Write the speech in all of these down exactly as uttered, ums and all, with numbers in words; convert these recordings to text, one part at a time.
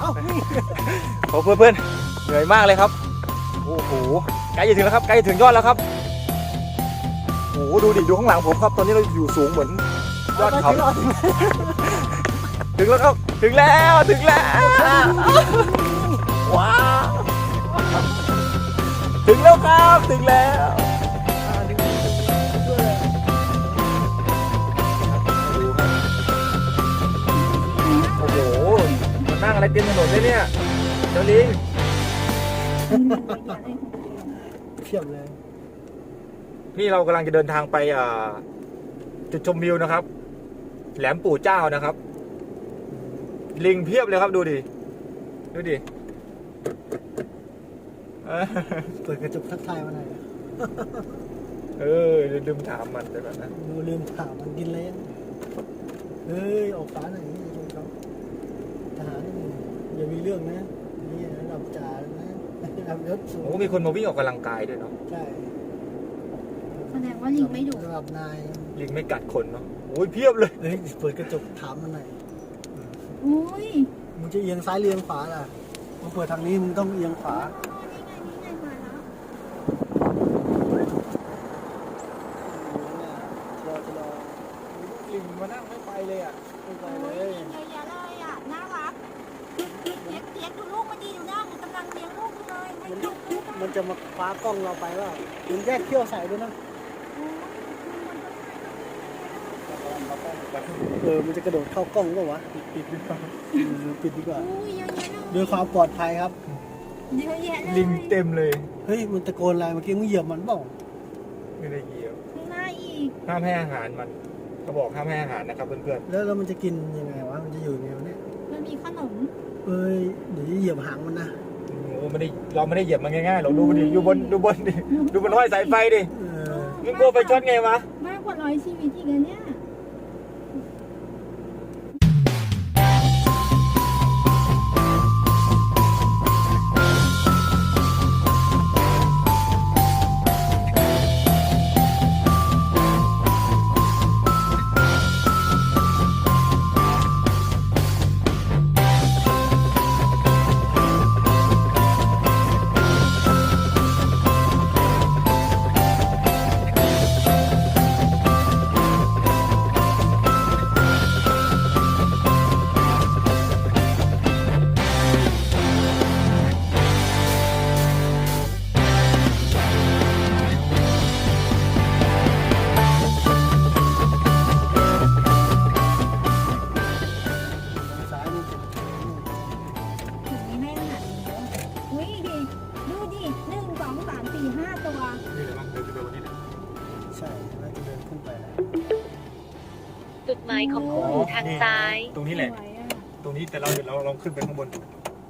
โอ้เพื่อนเพื่อนเหนื่อยมากเลยครับโอ้โหใกล้จะถึงแล้วครับใกล้จะถึงยอดแล้วครับโอ้โหดูดิดูข้างหลังผมครับตอนนี้เราอยู่สูงเหมือนยอดเขาถึงแล้วครับถึงแล้วถึงแล้วว้าวถึงแล้วครับถึงแล้วโอ้โหมันนั่งอะไรเต็มถนนเลยเนี่ยเจ้าลิงเพียบเลยนี่เรากำลังจะเดินทางไปจุดชมวิวนะครับแหลมปู่เจ้านะครับลิงเพียบเลยครับดูดิดูดิเปิดกระจกทักทายมาหน่อยเออลืมถามมันเดี๋ยวก่อนนะลืมถามมันกินเลยเฮ้ยออกฟ้าหน่อยนี่ชมเขาทหารอย่ามีเรื่องนะนี่ระดับจ่านะระดับยศสูงโอ้มีคนมาวิ่งออกกำลังกายด้วยเนาะใช่แสดงว่าลิงไม่ดุระดับนายลิงไม่กัดคนเนาะโอ้ยเพียบเลยเฮ้ยเปิดกระจกถามมันหน่อยอุ้ยมึงจะเอียงซ้ายเอียงขวาล่ะมึงเปิดทางนี้มึงต้องเอียงขวาลิงมานั่งไม่ไปเลยอ่ะไม่ไปเลยเยอะแยะเลยอ่ะน่ารักเลี้ยงเลี้ยงดูลูกมันดีอยู่นะมันกำลังเลี้ยงลูกเลยมันจะมาคว้ากล้องเราไปว่ามึงแยกเขี้ยวใส่ด้วยนะเออมันจะกระโดดเข้ากล้องก็วะปิดดีกว่าปิดดีกว่าด้วยความปลอดภัยครับเยอะแยะเลยลิงเต็มเลยเฮ้ยมันตะโกนอะไรเมื่อกี้มึงเหยียบมันเปล่าไม่ได้เหยียบข้างหน้าอีกห้ามให้อาหารมันเขาบอกห้ามให้อาหารนะครับเพื่อนๆแล้วแล้วมันจะกินยังไงวะมันจะอยู่ยังไงเนี่ยมันมีขนมเอ้ยเดี๋ยวเหยียบหางมันนะโอ้ไม่ได้เราไม่ได้เหยียบมันง่ายๆเราดูดิอยู่บนดูบนดิดูบนห้อยสายไฟดิมึงกลัวไปช็อตไงวะมากกว่าร้อยชีวิตอีกแล้วเนี่ยจุดหมายของคุณอยู่ทางซ้ายตรงนี้แหละตรงนี้แต่เราเดี๋ยวเราลองขึ้นไปข้างบนดู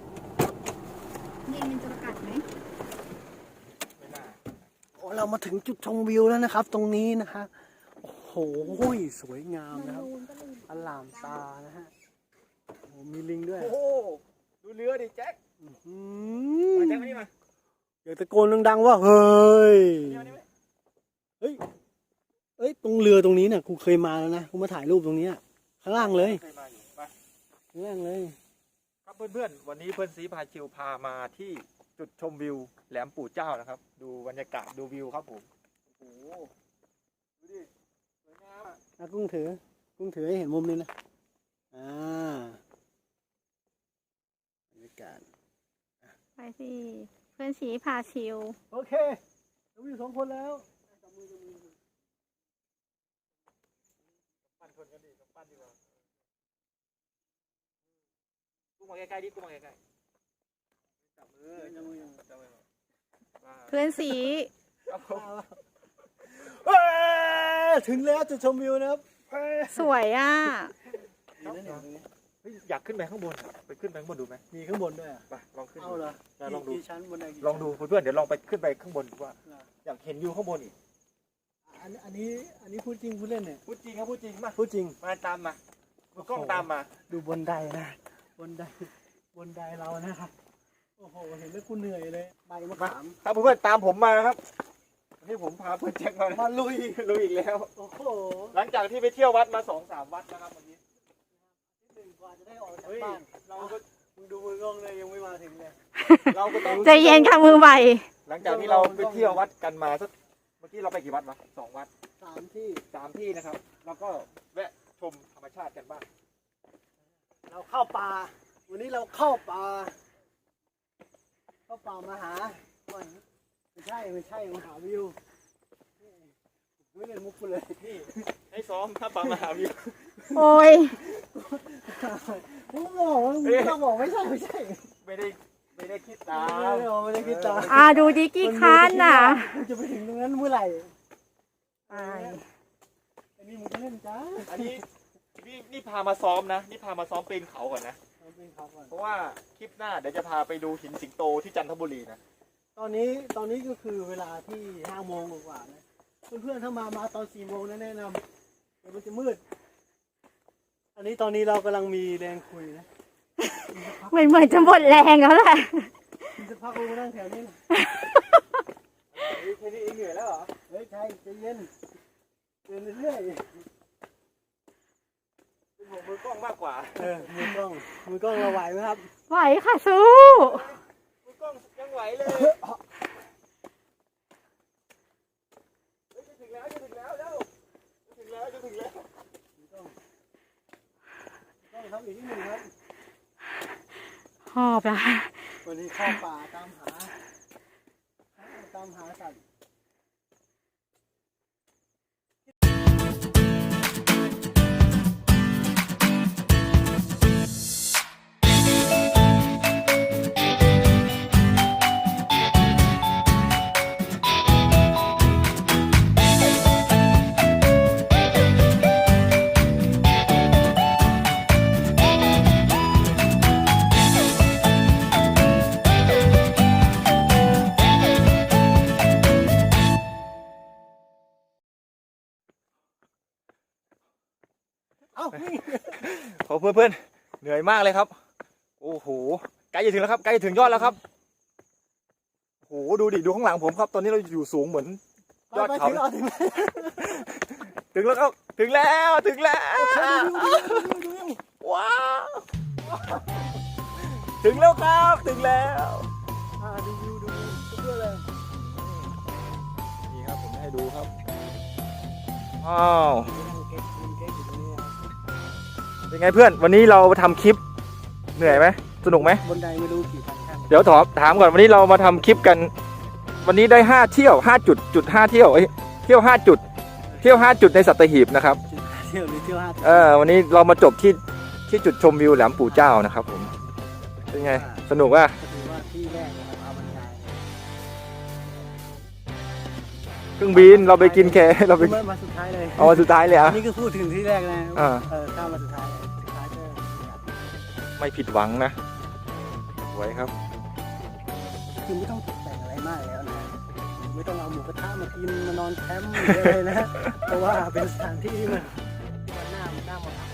นี่มันจะกัดไหมไม่น่าโอ้เรามาถึงจุดชมวิวแล้วนะครับตรงนี้นะฮะโอ้โหสวยงามนะครับอลามตานะฮะโอ้มีลิงด้วยโอ้ดูเรือดิแจ็คมาแจ็คมานี่มาอยากตะโกนดังๆว่าเฮ้ยเฮ้ยเอ้ยตรงเรือตรงนี้เนี่ยกูเคยมาแล้วนะกูมาถ่ายรูปตรงนี้ข้างล่างเลยข้างล่างเลยครับเพื่อนๆวันนี้เพื่อนซีพาชิวพามาที่จุดชมวิวแหลมปู่เจ้านะครับดูบรรยากาศดูวิวครับผมโอ้โหดูดิสวยงามอ่ะกุ้งถือกุ้งถือให้เห็นมุมนี้นะอ่าบรรยากาศไปสิเพื่อนซีพาชิวโอเคเราอยู่สองคนแล้วปั้นคนกันดิปั้นดีกว่ากูมาใกล้ๆดิกูมาใกล้ๆจับมือจับมือจับมือเพื่อนสีถึงแล้วจุดชมวิวนะครับสวยอ่ะอยากขึ้นไปข้างบนไปขึ้นไปข้างบนดูไหมมีข้างบนด้วยไปลองขึ้นเอาเหรอลองดูชั้นบนไหนลองดูเพื่อนๆเดี๋ยวลองไปขึ้นไปข้างบนดูว่าอยากเห็นวิวข้างบนอีกอันอันนี้อันนี้พูดจริงพูดเล่นเนี่ยพูดจริงครับพูดจริงมาพูดจริงมาตามมาดูกล้องตามมาดูบนไดนะบนไดบนไดเรานะครับโอ้โหเห็นแล้วกูเหนื่อยเลยใบมะขามครับเพื่อนๆตามผมมาครับนี่ผมพาเพื่อนแจ็คมามาลุยลุยอีกแล้วโอ้โหหลังจากที่ไปเที่ยววัดมาสองสามวัดนะครับวันนี้ที่หนึ่งกว่าจะได้ออกจากบ้านเราก็มึงดูมือกล้องเลยยังไม่มาถึงเลยเราก็ต้องใจเย็นค่ะมือใหม่หลังจากที่เราไปเที่ยววัดกันมาสักเมื่อกี้เราไปกี่วัดวะสองวัดสามที่สามที่นะครับแล้วก็แวะชมธรรมชาติกันบ้างเราเข้าป่าวันนี้เราเข้าป่าเข้าป่ามาหาไม่ใช่ไม่ใช่มาหาวิวไม่เล่นมุกกูเลยนี่ให้ซ้อมถ้าปังมหาวิวโอ้ยมึงบอกว่ามึงต้องบอกไม่ใช่ไม่ใช่ไม่ได้ไม่ได้คิดตาไม่ได้บอกไม่ได้คิดตามอ่าดูดิกี่คันน่ะมึงจะไปถึงตรงนั้นเมื่อไหร่อายอันนี้มึงจะเล่นจ้าอันนี้นี่นี่พามาซ้อมนะนี่พามาซ้อมปีนเขาก่อนนะเอาเป็นครับก่อนเพราะว่าคลิปหน้าเดี๋ยวจะพาไปดูหินสิงโตที่จันทบุรีนะตอนนี้ตอนนี้ก็คือเวลาที่ห้าโมงกว่าๆนะเพื่อนๆถ้ามามาตอนสี่โมงนะแนะนำเดี๋ยวมันจะมืด อันนี้ตอนนี้เรากำลังมีแรงคุยนะเหมือนเหมือนจะหมดแรงแล้วแหละมีสักพักกูมานั่งแถวนี้นะแค่นี้เองเหนื่อยแล้วเหรอเฮ้ยใช่ใจเย็นเดินเรื่อยเป็นห่วงมือกล้องมากกว่าๆเออมือกล้องมือกล้องเราไหวไหมครับไหวค่ะสู้มือกล้องยังไหวเลยเฮ้ยจะถึงแล้วจะถึงแล้วเร็วจะถึงแล้วจะถึงแล้วต้องครับอีกนิดหนึ่งครับหอบละวันนี้เข้าป่าตามหาตามหาสัตว์ เอ้านี่ขอเพื่อนๆเหนื่อยมากเลยครับโอ้โหใกล้จะถึงแล้วครับใกล้จะถึงยอดแล้วครับโอ้โหดูดิดูข้างหลังผมครับ ตอนนี้เราอยู่สูงเหมือนยอดไปเขาถึงเอาถึงถึงแล้วครับถึงแล้วถึงแล้วว้าวถึงแล้วครับถึงแล้วอ่าดูวิวดูวิวเพื่อนเลยนี่ครับผมให้ดูครับว้าวเก๊กเก๊กอยู่ตรงนี้เป็นไงเพื่อนวันนี้เราทำคลิปเหนื่อยไหมสนุกไหมบนไดไม่รู้กี่พันขั้นเดี๋ยวถามถามก่อนวันนี้เรามาทำคลิปกัน วันนี้ได้ห้าเที่ยวห้าจุดจุดห้าเที่ยวเอ้ยเที่ยวห้าจุดเที่ยวห้าจุดในสัตหีบนะครับเที่ยวหรือเที่ยวห้าเออวันนี้เรามาจบที่ที่จุดชมวิวแหลมปู่เจ้านะครับผมเป็นไงสนุกป่ะก็ถือว่าที่แรกนะครับเอาบรรยายเครื่องบินเราไปกินแคเราไปมาสุดท้ายเลยเอาวันสุดท้ายเลยอ่ะนี่คือพูดถึงที่แรกนะอ่าเออข้ามมาสุดท้ายสุดท้ายก็ไม่ผิดหวังนะสวยครับคือไม่ต้องตกแต่งอะไรมากแล้วนะไม่ต้องเอาหมูกระทะมากินมานอนแคมป์หรืออะไรนะเพราะว่าเป็นสถานที่ที่มันที่มันน่ามันน่ามาพัก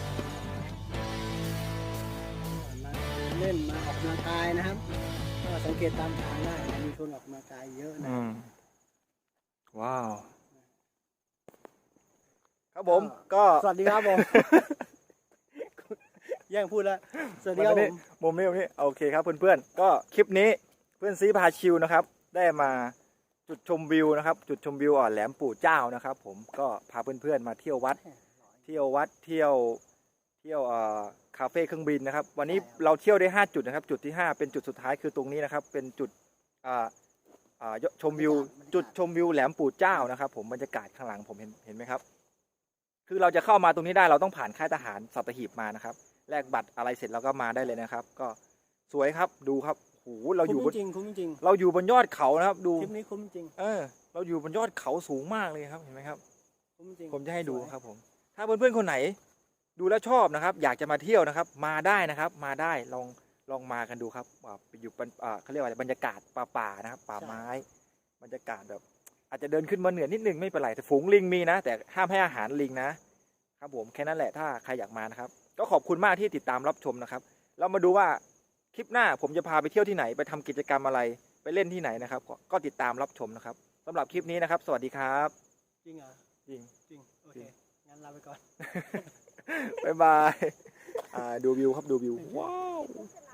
มาเล่นมาออกกำลังกายนะครับก็สังเกตตามทางได้นะมีคนออกกำลังกายเยอะนะอืมว้าว ครับผมก็สวัสดีครับผม แย่งพูดแล้วสวัสดีครับผมมุมนี้มุมนี้โอเคครับเพื่อนๆก็คลิปนี้เพื่อนซีพาชิวนะครับ ได้มาจุดชมวิวนะครับ จุดชมวิวอ่อนแหลมปู่เจ้านะครับ ผมก็พาเพื่อนๆมาเที่ยววัด เที่ยววัดเที่ยวเที่ยวเอ่อคาเฟ่เครื่องบินนะครับ วันนี้เราเที่ยวได้ห้าจุดนะครับ จุดที่ห้าเป็นจุดสุดท้ายคือตรงนี้นะครับ เป็นจุดอ่าอ่าชมวิว จุดชมวิวแหลมปู่เจ้านะครับ ผมบรรยากาศข้างหลังผมเห็นเห็นไหมครับ คือเราจะเข้ามาตรงนี้ได้เราต้องผ่านค่ายทหารสัตหีบมานะครับแลกบัตรอะไรเสร็จเราก็มาได้เลยนะครับ ก็สวยครับดูครับโอ้โหเราอยู่บคุ้นมจริงคุ้มจริงเราอยู่บนยอดเขานะครับ ดูคลิปนี้คุ้มจริงเออ เราอยู่บนยอดเขาสูงมากเลยครับเห็นไหมครับคุ้มจริงผมจะให้ดูครับผม ถ้าเพื่อนๆคนไหน ดูแล้วชอบนะครับ อยากจะมาเที่ยวนะครับ มาได้นะครับ มาได้ลองลองมากันดูครับว่าไปอยู่บนอ่าเขาเรียกว่าอะไรบรรยากาศป่าป่าๆนะครับ ป่าไม้ บรรยากาศแบบ อาจจะเดินขึ้นมาเหนือนิดนึงไม่เป็นไรแต่ฝูงลิงมีนะ แต่ห้ามให้อาหารลิงนะครับผมแค่นั้นแหละถ้าใครอยากมานะครับ ก็ขอบคุณมากที่ติดตามรับชมนะครับ เรามาดูว่าคลิปหน้าผมจะพาไปเที่ยวที่ไหนไปทำกิจกรรมอะไรไปเล่นที่ไหนนะครับ ก็ก็ติดตามรับชมนะครับสำหรับคลิปนี้นะครับ สวัสดีครับจริงเหรอจริงจริงโอเคงั้นลาไปก่อนบ๊ายบายอ่าดูวิวครับดูวิวว้าว